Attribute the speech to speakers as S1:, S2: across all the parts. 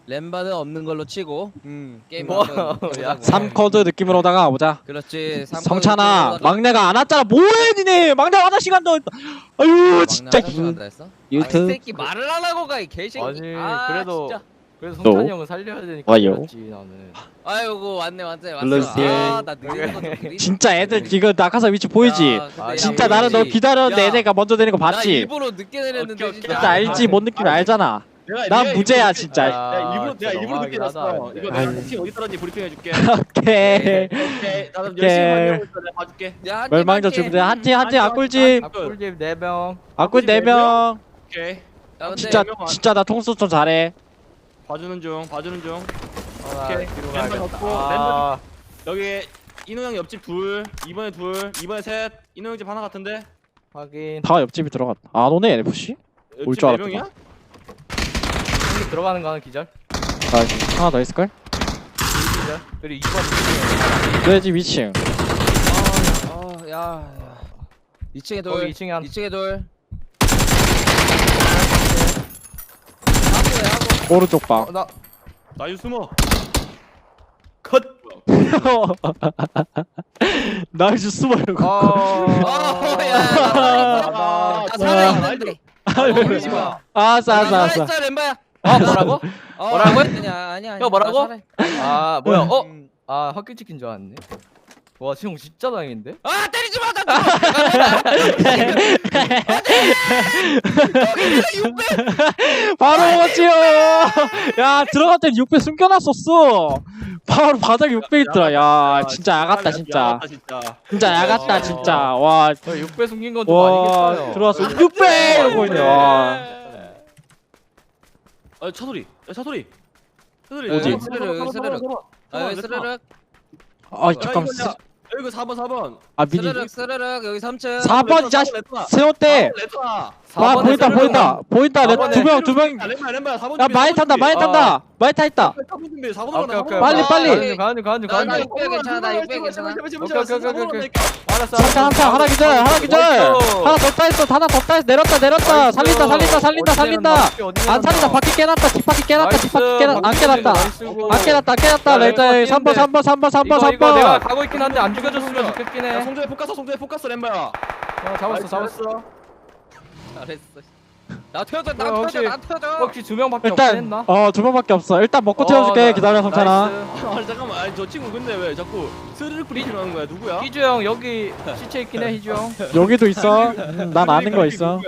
S1: 램바는 없는 걸로 치고 게임
S2: 뭐,
S1: 한번
S2: 야,
S1: 해보자고.
S3: 3쿼드 느낌으로다가 보자.
S1: 그렇지.
S3: 성찬아, 막내가 안 왔잖아. 뭐해 니네? 막내 화장실 간다. 아유 진짜.
S1: 했어?
S3: 유튜브.
S1: 이 새끼 말을 안 하고 가 이 개새끼.
S2: 아니
S1: 그래도
S2: 그래도 성찬이 형은 살려야 되니까
S3: 와요.
S2: 그렇지 나는.
S1: 아이고 왔네.
S3: 눌러주세요.
S1: 아나 느리는 거좀 느리.
S3: 진짜 애들 지금 낙하산 위치 보이지?
S1: 야, 근데
S3: 진짜
S1: 야,
S3: 나는 너
S1: 보이지?
S3: 기다렸는데
S1: 야,
S3: 애네가 먼저 내는 거
S1: 나
S3: 봤지?
S1: 일부러 늦게 내렸는데
S2: 오케이,
S1: 진짜.
S3: 진짜 알지? 뭔 느낌 알잖아.
S4: 내가
S3: 난 무죄야 진짜.
S4: 내가 일부러 늦게 났어. 이거
S3: 아유.
S4: 내가 팀 어디 떨어지 브리핑 해줄게.
S3: 오케이.
S4: 오케이. 나도
S3: 오케이.
S4: 열심히 만들고 있어. 내가 봐줄게.
S1: 야, 한
S3: 멸망전
S1: 팀
S3: 준비돼. 한팀 악꿀집.
S2: 악꿀집 4명.
S3: 악꿀 4명.
S4: 오케이.
S1: 야, 근데
S3: 진짜 나 통수 좀 잘해.
S4: 봐주는 중.
S2: 오케이. 뒤로
S4: 램바
S2: 가야겠다.
S4: 덮고,
S2: 아,
S4: 여기 인호 형 옆집 둘, 이번에 셋. 인호 형 집 하나 같은데.
S2: 확인.
S3: 다 옆집이 들어갔다. 안 오네 NFC? 올 줄 알았다.
S4: 명이야?
S2: 형님 들어가는 거 하나 기절.
S3: 아 하나 더 있을걸?
S2: 기절. 그리고 2번
S3: 너의 집 2층.
S1: 야. 2층에 돌.
S2: 거기 2층에 한.
S1: 2층에 돌.
S3: 오른쪽 방.
S2: 나
S4: 나유 숨어.
S2: 컷.
S3: 나이스 숨어 이러고.
S1: 야, 살아있는데.
S4: 버리지 마.
S3: 알았어.
S1: 살아있어, 램바야.
S2: 뭐라고? 뭐라고요?
S1: 아니야.
S2: 형, 뭐라고?
S1: 나
S2: 아 뭐야? 아 학교 찍힌 줄 알았네. 와 지금 진짜 다행인데?
S1: 아, 때리지 마. 나
S3: 바로 오지요. 야 들어갈 땐 6배 숨겨놨었어. 바로 바닥에 6배 있더라. 야 진짜 야같다 진짜. 진짜 야같다 진짜. 와.
S2: 6배 숨긴 건 좀
S3: 와
S2: 아니겠어요.
S3: 들어왔어. 6배 이러고 있네. 와.
S4: 차소리.
S3: 어디?
S1: 스르륵. 아, 스르륵.
S3: 아 잠깐.
S4: 여기 4번.
S3: 아 미리.
S1: 스르륵. 여기 3층.
S3: 4번 이 자식 세웠대.
S4: 레터나.
S3: 와
S2: 4번에
S3: 보인다.
S2: 사번에
S3: 두 명.
S4: 램바야 4번.
S3: 야 많이 탄다. 많이 타 있다.
S4: 4번 준비. 4번
S2: 오케이.
S3: 빨리.
S2: 가는 중.
S1: 나 600 괜찮아. 나 600 괜찮아.
S2: 오케이. 알았어.
S3: 한타 하나 기절. 하나 더 따있어. 하나 더 따있어. 내렸다. 살린다. 안 살린다. 바퀴 깨놨다. 뒷바퀴 깨놨다. 안 깨놨다. 레이저 3번.
S2: 이거 내가 가고 있긴 한데 안 죽여줬으면 좋겠긴 해.
S4: 송조에 포커스 램바야.
S2: 잡았어.
S1: 잘했어. 나 태워줘.
S2: 혹시- 혹시 2명밖에 없긴
S3: 일단
S2: 했나?
S3: 2명밖에 없어. 일단 먹고 태워줄게. 기다려 성찬아.
S4: 아 잠깐만. 아니 저 친구 근데 왜 자꾸 스르륵 브리핑 하는 거야? 누구야?
S2: 희주 형 여기 시체 있긴 해 희주 형.
S3: 여기도 있어. 난 아는 거 있어.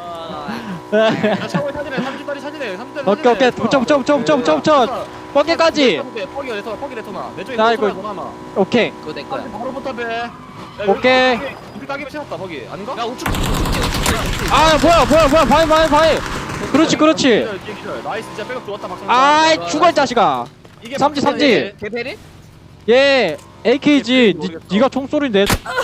S4: 나 차고에 사진해. 30다리 사진해. 30다리.
S3: 오케이. 붙여. 뻐개까지.
S4: 퍽이 레터나. 내 쪽에
S3: 나
S4: 레터나
S3: 이거-
S4: 더 남아.
S3: 오케이.
S1: 그거 내 거야.
S4: 바로 포탑해.
S3: 오케이.
S4: 우리 따기면 채웠다 거기. 아닌가?
S1: 야, 우측.
S3: 아 뭐야. 바위. 그렇지.
S4: 기절. 나이스. 진짜 백업 좋았다 박성.
S3: 아이 죽어 이 자식아.
S4: 이게
S3: 삼지.
S1: 개페리?
S3: 얘 AKG. 니가 총소리인데.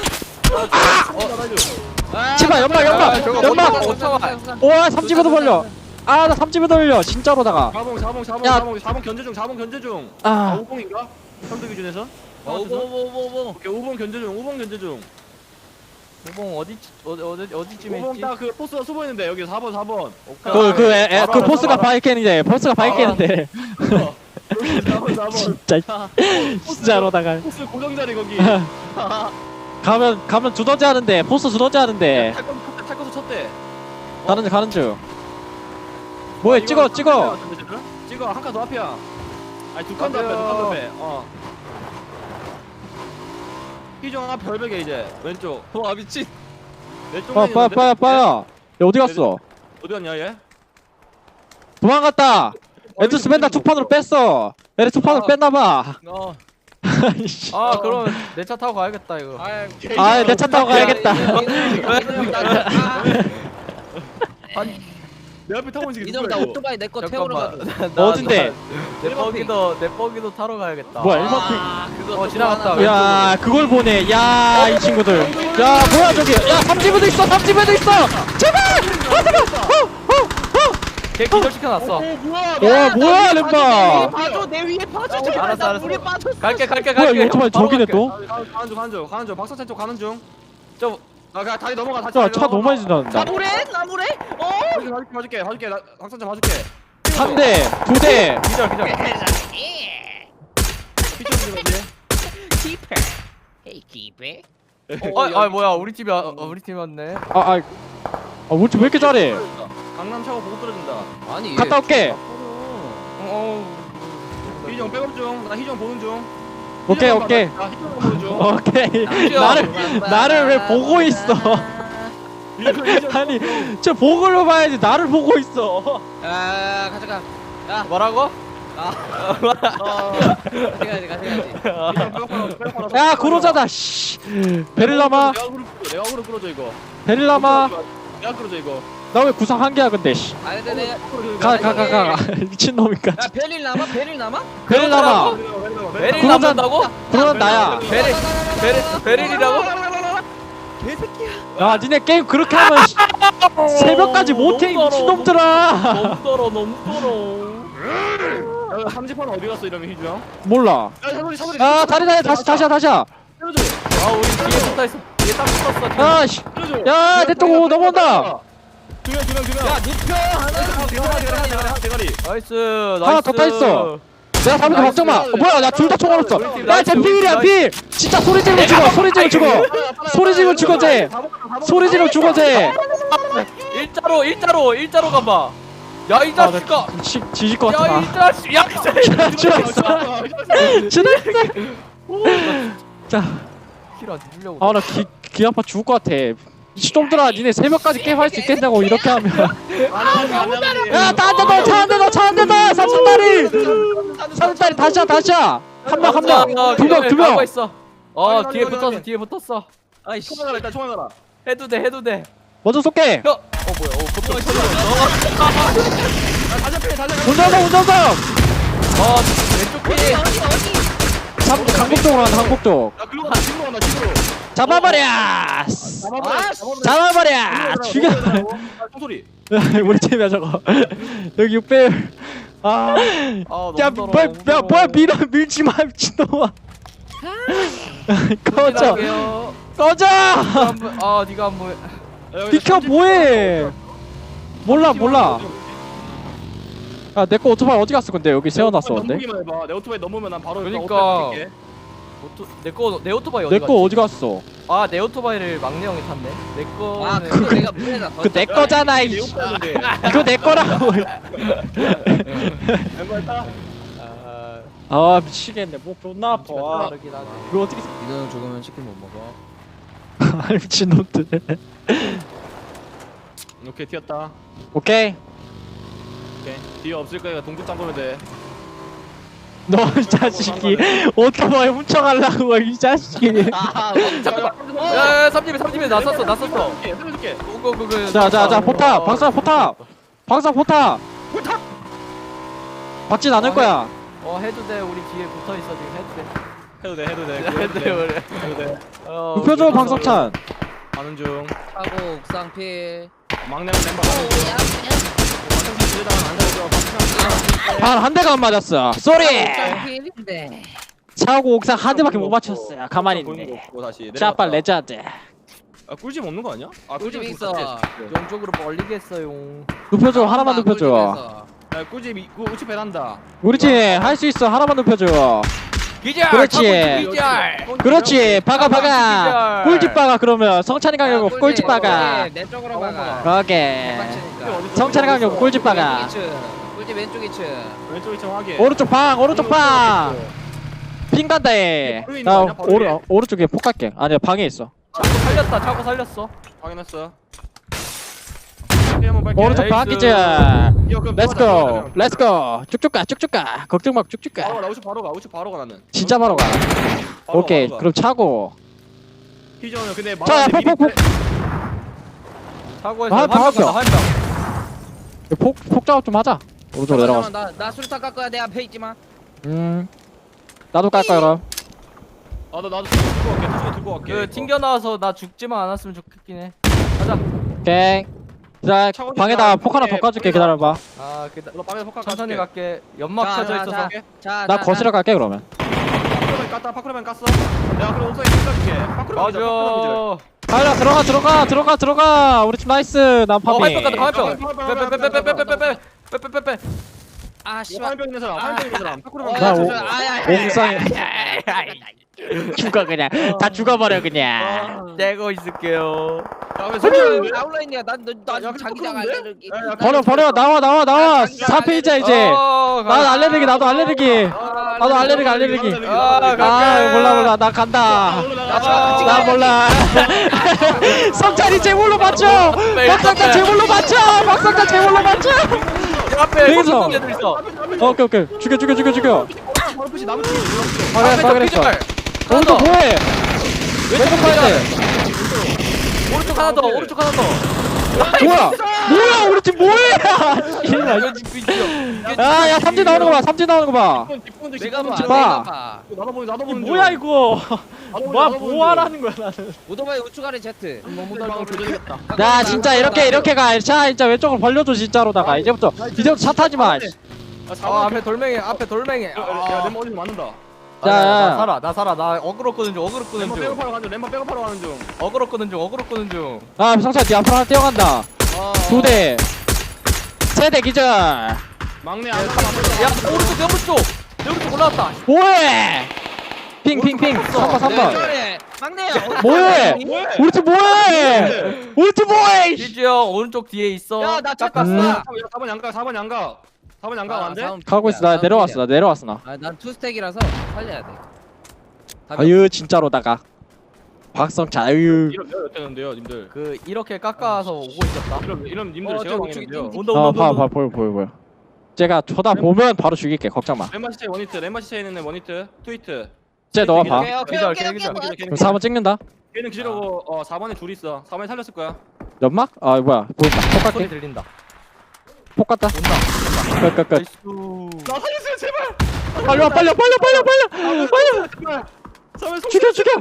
S3: 제발 연막. 와 삼집에도 벌려. 아 나 삼집에도 벌려. 진짜로다가.
S4: 4봉 견제 중. 4봉 견제 중.
S3: 아
S4: 5봉인가? 형들 기준에서?
S1: 오보.
S4: 오케이 5봉 견제 중.
S2: 우봉 어디쯤에
S4: 5봉
S2: 있지?
S4: 딱 그 포스가 숨어있는데 여기 4번.
S3: 그 포스가 바위 깨는데.
S4: 4번.
S3: 진짜로다가.
S4: 포스 고정자리 거기.
S3: 가면 두더지 하는데. 포스 두더지 하는데.
S4: 탈 거서 쳤대.
S3: 가는 중. 뭐해 찍어.
S4: 찍어 한 칸 더 앞이야. 아니 두 칸 더 앞에. 희정 앞 별벽에 이제 왼쪽.
S1: 와, 미친.
S4: 왼쪽.
S3: 빠야. 야 어디 갔어?
S4: 어디 갔냐 얘?
S3: 도망갔다. 에투스 맨날 투판으로 뺐어. 얘네 투판으로 뺐나봐.
S2: 아 그럼 내 차 타고 가야겠다 이거.
S3: 아 내 차 타고 가야겠다.
S4: 내 앞에 타고 있는 게
S1: 이놈 나 오토바이 내 거 태우러 가.
S3: 어딘데?
S2: 내 버기도 타러 가야겠다.
S3: 뭐야 1번
S1: 그거
S2: 지나갔다.
S3: 핑. 야 그걸 보네. 야 이 친구들. 야 뭐야 저기. 야 삼집에도 있어. 제발.
S2: 걔 기절시켜놨어.
S3: 뭐야 렘바.
S1: 봐줘, 내 위에 봐줘.
S2: 알았어.
S1: 물에 빠져.
S2: 갈게.
S3: 뭐야 이 오토바이 저기네 또.
S4: 가는 중. 박사찬 쪽 가는 중.
S2: 저
S4: 그냥 다리 넘어가.
S3: 야 차 너무 많이 지나간다.
S1: 나무래?
S4: 봐줄게. 박사찬 봐줄게.
S3: 한 대, 두 대.
S2: 기절 기절.
S4: 피쳐 들어가지.
S1: 키퍼. 헤이 키퍼.
S2: 아 뭐야 우리 팀이 우리 팀 왔네.
S3: 우리 팀 왜 이렇게 잘해?
S4: 강남 차고 보고 떨어진다.
S1: 아니 얘.
S3: 갔다 올게.
S4: 희정 백업 중. 나 희정 보는 중.
S3: 오케이,
S4: 희정
S3: 오케이.
S4: 나 희정 보는 중.
S3: 오케이. 나를 왜 보고 있어? 아니, 저 보고를 봐야지. 나를 보고 있어.
S1: 아 가져가. 야
S2: 뭐라고?
S1: 가져가지.
S3: 야, 구로자다. 씨. 베릴라마,
S4: 내가 그룹 끌어줘 이거.
S3: 베릴라마.
S4: 내가 끌어줘 이거.
S3: 나 왜 구상 한 개야 근데? 씨.
S1: 아 근데 내가.
S3: 가. 미친 놈이까.
S1: 야 베릴 남아? 베릴 남아?
S3: 베릴라마.
S2: 베릴
S3: 구로자-
S2: 남는다고?
S3: 그건 나야.
S2: 베릴이라고?
S1: 개새끼야.
S3: 야, 니네 게임 그렇게 하면 씨, 새벽까지 못해 이 미친놈들아.
S2: 너무 떨어 너무 떨어.
S4: 야, 삼지판은 어디 갔어 이러면 희주 형?
S3: 몰라.
S4: 야 사소리.
S3: 야, 다시야.
S2: 아 우리 뒤에 붙어있어. 뒤에 딱 붙었어.
S3: 야, 씨. 야, 내 쪽 넘어온다.
S4: 두명.
S1: 야 눕혀 하나.
S4: 대가리.
S2: 나이스
S3: 하나 더 따있어. 내가 잡는 거 걱정 마. 뭐야, 나 둘 다 총 알았어. 야, 쟤 필이야, 필. 진짜 소리 지르면 죽어. 소리 지르면 죽어. 소리 지르면 죽어, 쟤. 소리 지르면 죽어, 쟤.
S2: 일자로 가봐. 야 이 자식아.
S3: 지질 것 같아.
S2: 야 이 자식. 야 이 자식.
S3: 지났어. 지났어. 자,
S2: 힐안 주려고.
S3: 나 귀 아파 죽을 것 같아. 이놈들아, 니네 새벽까지 게임 할 수 있겠냐고 이렇게 하면. 야, 차 한 대 더. 삼촌다리. 삼촌다리 다시야. 한 명. 두 명.
S2: 있어. 뒤에 붙었어.
S1: 아이씨.
S4: 총알 가라 일단 총알 가라.
S2: 해도 돼.
S3: 먼저 쏠게.
S2: 뭐야? 붙어.
S3: 운전석.
S2: 왼쪽 피.
S3: 강북 쪽으로 간다, 강북 쪽.
S4: 야 글로 간다 집으로.
S3: 잡아버려. 죽여.
S4: 총소리.
S3: 우리 팀이야 저거. 여기 6배율. 야, 뭐야, 밀지 마, 미친놈아. 꺼져.
S2: 네가 안 보여.
S3: 비켜, 뭐해. 몰라. 야, 내 거 오토바이 어디 갔어, 근데 여기 세워놨어, 근데.
S4: 넘기만 해봐. 내 오토바이 넘으면 난 바로
S2: 그러니까.
S4: 오토바이 뛸게.
S2: 내 오토바이 어디
S3: 내
S2: 갔지?
S3: 거 어디 갔어?
S2: 내 오토바이를 막내 형이 탔네. 내 거는
S1: 아 그거 내가 문에다.
S3: 그 내 거잖아, 이.
S4: 오토바이인데.
S3: 이거 내 거라고.
S4: 멤버 타.
S3: 미치겠네. 목 존나 아파.
S2: 다르긴 하네.
S3: 이거 어떻게.
S1: 이노형 죽으면 치킨 못 먹어.
S3: 미친놈들.
S4: 오케이 튀었다.
S3: 오케이.
S4: 오케이. 뒤에 없을 거니까 동굴 잠그면 돼.
S3: 너 이 자식이 오토바이 훔쳐가려고, 이 자식이.
S2: 야, 삼집에 나 썼어.
S4: 살려줄게.
S3: 자, 포탑. 방사 포탑. 박진 않을 거야.
S2: 해도 돼. 우리 뒤에 붙어 있어 지금
S4: 해도 돼.
S2: 해도 돼.
S4: 해도 돼.
S3: 눕혀줘, 방석찬.
S4: 가는 중.
S1: 하고 옥상필.
S4: 막내는 멤버 가는 중.
S3: 한 대가 안 맞았어. 쏘리.
S1: 옥상필인데.
S3: 차고 옥상 한 대밖에 못 맞췄어요. 가만히 있네.
S4: 다시.
S3: 짜빨 레자드.
S4: 꿀집 없는 거 아니야?
S1: 꿀집 있어.
S2: 왼쪽으로 멀리게 했어요.
S3: 눕혀줘, 하나만 눕혀줘.
S4: 야 꿀집 우측 베란다.
S3: 우리 팀 할 수 있어. 하나만 눕혀줘.
S2: 기절.
S3: 그렇지. 그렇지. 박아. 꿀집 박아. 그러면 성찬이 강력 꿀집 박아.
S1: 내 쪽으로 박아.
S3: 오케이. 성찬이 강력 꿀집 박아.
S1: 꿀집 왼쪽 2층.
S4: 왼쪽 2층 확인.
S3: 오른쪽 방. 핑 간다 해. 나 오른쪽에 폭 갈게. 아니야, 방에 있어.
S2: 차고 살렸어.
S4: 확인했어.
S3: 오른쪽 방
S2: 나이스.
S3: 기자. 렛츠고. 쭉쭉 가. 걱정 말고 쭉쭉 가.
S4: 나 우측 바로 가 나는.
S3: 진짜 바로 가. 오케이. 그럼 차고.
S4: 희정은 근데
S3: 자, 폭.
S2: 차고에서
S3: 아,
S2: 한
S3: 방학교.
S2: 명.
S3: 폭 작업 좀 하자. 오른쪽 내려가서.
S1: 나 수류탄 깎 거야. 내 앞에 있지 마.
S3: 나도 깔까 그럼.
S4: 나도 들고 갈게.
S2: 그 튕겨 나와서 나 죽지만 않았으면 좋겠긴 해. 가자.
S3: 오케이. 자, 방에다 폭 하나 더 까줄게. 기다려봐.
S4: 너 밤에 폭
S2: 천천히 갈게. 연막 쳐져 있어서.
S3: 나 거실에 갈게 그러면.
S4: 파크로맨 깠어. 내가 그럼 옥상에 తీసు어줄게. 파크로맨
S2: 맞아.
S3: 들어가. 우리 팀 나이스. 난 파비.
S2: 화이트 간다. 화이트. 빼.
S1: 아 씨발.
S4: 화염병 있는 사람 화염병 있는 사람 파쿠르
S1: 어,
S3: 나
S1: 야,
S3: 오-
S1: 저, 아야.
S3: 옥상에 죽어 그냥 다 죽어버려 그냥.
S2: 떼고 있을게요.
S4: 야왜 소리하는데?
S1: 아웃라인이야. 난
S4: 야,
S1: 자기장
S4: 그런데?
S1: 알레르기.
S4: 야, 야,
S3: 버려 나와 4페이지야 이제. 나도 알레르기 나도 알레르기 알레르기. 아 몰라 나 간다. 나 몰라. 성찬이 제물로 맞춰. 박상자 제물로 맞춰. 박상자 제물로 맞춰.
S2: 앞에
S3: 여기서.
S2: 애들 있어.
S3: 오케이 죽여.
S4: 바로 푸시 나무 뒤에
S3: 그랬어. 오른쪽 뭐해? 왼쪽 가야 돼.
S2: 오른쪽 하나 더. 오른쪽 하나 더.
S3: 뭐야 우리 팀 뭐해? 야야 삼진 나오는 거 봐.
S1: 내가 봐.
S3: 봐.
S1: 내가 봐.
S4: 나도 보는
S3: 뭐야 이거? 뭐 하라는 거야 나는?
S1: 오토바이 우측 아래 제트.
S4: 너무 달방 조절했다.
S3: 나 진짜 이렇게 가. 자 진짜 왼쪽으로 벌려줘 진짜로다가 이제부터 차 타지 마.
S2: 앞에 돌멩이.
S4: 야 렘버 어디서 맞는다.
S3: 자,
S2: 나 살아. 나 어그로 끄는 중.
S4: 렘버 백업하러 가는 중. 렘버 백업하러 가는 중.
S2: 어그로 끄는 중.
S3: 아 성찬 네 앞으로 하나 뛰어간다. 2대 3대 기절.
S4: 막내 안
S2: 야, 오른쪽. 여기 올라왔다.
S3: 뭐해? 핑 3번.
S1: 저래. 막내야.
S3: 뭐해? 우리 팀 뭐해?
S2: 지주 형 오른쪽 뒤에 있어.
S1: 야, 나
S2: 깎았어.
S3: 음.
S4: 4번 양각 안 돼?
S3: 가고 있어. 나 내려왔어 나.
S1: 난 투스택이라서 살려야 돼.
S3: 아유 진짜로다가. 박성찬 아유.
S4: 이런 몇 되는데요, 님들.
S2: 그 이렇게 깎아서 오고 있었다.
S4: 이런 님들
S1: 어,
S4: 제가
S1: 저
S4: 망했는데요.
S1: 우측이
S2: 온다.
S3: 보여. 제가 보면 바로 죽일게. 걱정 마.
S4: 렘마 시체 원히트, 렘마 시체에 있는 원히트, 트위트.
S3: 쟤 너가 봐.
S1: 오케이.
S3: 그럼 4번 찍는다.
S4: 걔는 기지라고 4번에 둘 있어. 4번에 살렸을 거야.
S3: 연막? 아 뭐야? 보인다. 폭
S2: 소리
S3: 갈게.
S2: 들린다.
S3: 폭 갔다. 끝.
S2: 나이스.
S4: 나 살려주세요, 제발.
S3: 빨리 와.
S4: 제발. 4번 속.
S3: 죽여.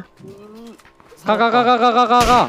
S3: 가.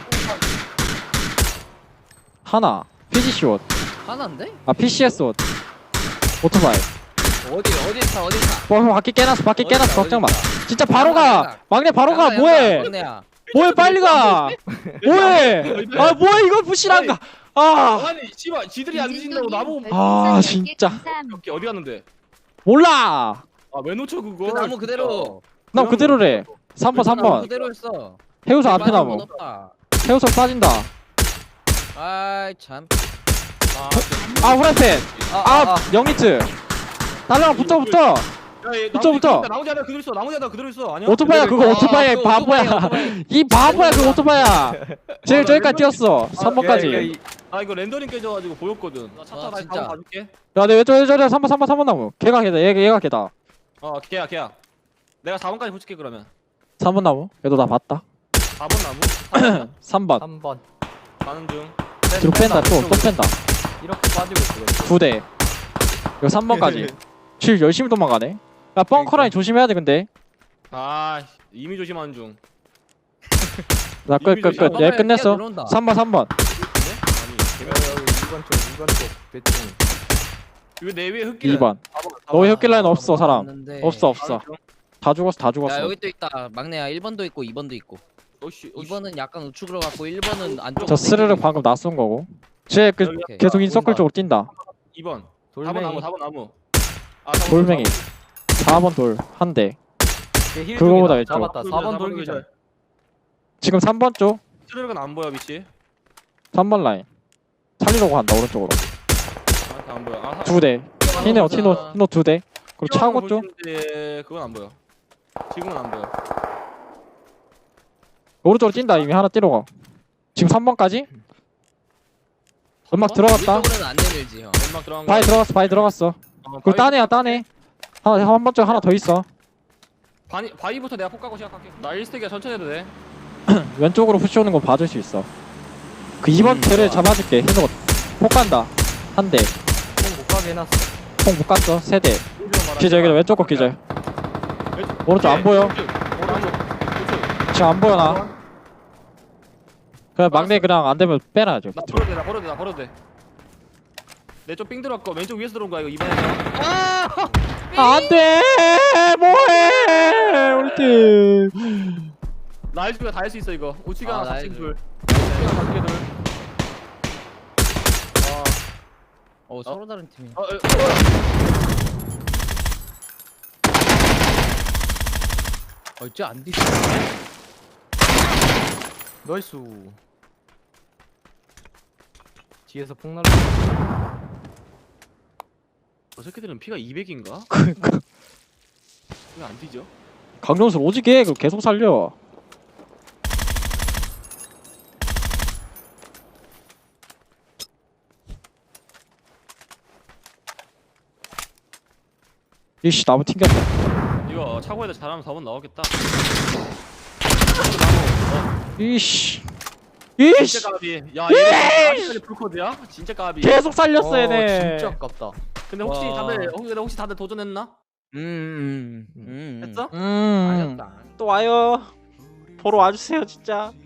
S3: 하나. PGC 옷.
S1: 하나인데?
S3: 아 PCS 옷. 오토바이.
S1: 어디 타?
S3: 바퀴 깨놨어. 걱정 마. 진짜 바로
S1: 양가.
S3: 가. 막내 바로 가. 뭐해?
S1: 막내야.
S3: 빨리 가. 뭐해? 아 뭐야 이거 부실한 가. 아
S4: 아니, 씨발, 지들이 안 뒤진다고 나보고.
S3: 아, 진짜.
S4: 오케이, 어디 갔는데?
S3: 몰라.
S4: 왜 놓쳐 그거?
S1: 그 나무 그대로.
S3: 나 그대로래. 3번.
S1: 나무 그대로 했어.
S3: 해우소 앞에 나무. 해우소 빠진다.
S1: 아이 참.
S3: 아 후라이팬. 아 영이트. 달랑 붙어. 붙어.
S4: 나머지 하나 그대로 있어. 아니야?
S3: 오토바이야 그거 오토바이야
S1: 그
S3: 바보야.
S1: 오토바이.
S3: 이 바보야 그 오토바이야. 제일 저기까지 뛰었어. 3번까지.
S4: 이거 렌더링 깨져가지고 보였거든. 나 차 타 다시
S1: 진짜.
S4: 바로 가줄게.
S3: 야, 내 왼쪽 3번 나무. 걔가 걔다. 얘가 걔다.
S4: 걔야. 내가 4번까지 붙일게 그러면.
S3: 3번 나무. 얘도 나 봤다.
S4: 4번 나무.
S3: 3번.
S2: 3번.
S4: 가는 중.
S3: 뒤로 뺀다. 또 뺀다.
S2: 이렇게 빠지고 있어.
S3: 2대. 이거 3번까지. 질 열심히 도망가네. 야, 벙커라인 조심해야 돼 근데.
S4: 이미 조심하는 중.
S3: 나 끝. 얘 끝냈어. 3번.
S2: 이번 쪽 대충.
S4: 이거 내 위에 흙길.
S3: 2번. 너의 흑길 라인 없어 사람. 없어. 다 죽었어.
S1: 야 여기 또 있다. 막내야 1번도 있고 2번도 있고.
S4: 오씨.
S1: 2번은 약간 우측으로 갔고 1번은 안쪽.
S3: 저 스르륵 방금 낯선 거고. 쟤
S1: 오케이.
S3: 계속 인서클 쪽으로 뛴다.
S4: 2번. 4번
S2: 돌멩이.
S4: 나무.
S3: 돌멩이. 4번 돌 한 대.
S2: 힐
S3: 그거보다
S2: 쪽이다.
S3: 왼쪽.
S2: 잡았다. 4번 돌기절.
S3: 지금 3번 쪽.
S4: 트레르가 안 보여 위치.
S3: 3번 라인. 살리려고 한다 오른쪽으로.
S4: 안 보여.
S3: 2대. 티노 2대. 그리고 차고 쪽.
S4: 그건 안 보여. 지금은 안 보여.
S3: 오른쪽으로 뛴다. 이미 하나 뛰러 가. 지금 3번까지? 음악 들어갔다.
S1: 이쪽으로는 안 내밀지 형.
S4: 연막 들어간 거.
S3: 바위 들어갔어. 그리고 따네. 한 번째 하나 더 있어.
S4: 바위부터 내가 폭 가고 시작할게. 나 1스택이야 천천히 해도 돼.
S3: 왼쪽으로 푸시 오는 거 봐줄 수 있어. 그 2번 테를 잡아줄게. 해서 폭 간다. 한 대.
S2: 못 가게 해놨어.
S3: 폭 못 갔어. 3대. 기절 여기다 왼쪽 거 기절. 오른쪽 안 보여. 지금 안 보여 나. 그냥 막내 그냥 안 되면 빼놔야죠.
S4: 나 버려도 돼. 내 쪽 삥 들어갔고 왼쪽 위에서 들어온 거야 이거 이번에.
S3: 안 돼. 뭐해? 우리 팀.
S4: 나이스가 다 할 수 있어 이거. 우치가 하나
S1: 나이스.
S4: 4층 둘. 우치가 4층 둘.
S1: 서로 다른 팀이야. 쟤안 뒤져.
S2: 나이스. 뒤에서 폭 날라.
S4: 저 새끼들은 피가 200인가?
S3: 그니까
S4: 왜 안 뒤져?
S3: 강정술 오지게 그럼 계속 살려. 이씨 나무 튕겼다.
S4: 이거 차고에다 잘하면 4번 나오겠다.
S3: 이씨 이씨
S4: 진짜 까비. 야 얘네 아직까지 풀코드야? 진짜 까비.
S3: 계속 살렸어 얘네.
S2: 진짜 아깝다.
S4: 근데 혹시
S2: 와.
S4: 혹시 다들 도전했나? 했어?
S1: 아셨다.
S3: 또 와요. 보러 와주세요 진짜.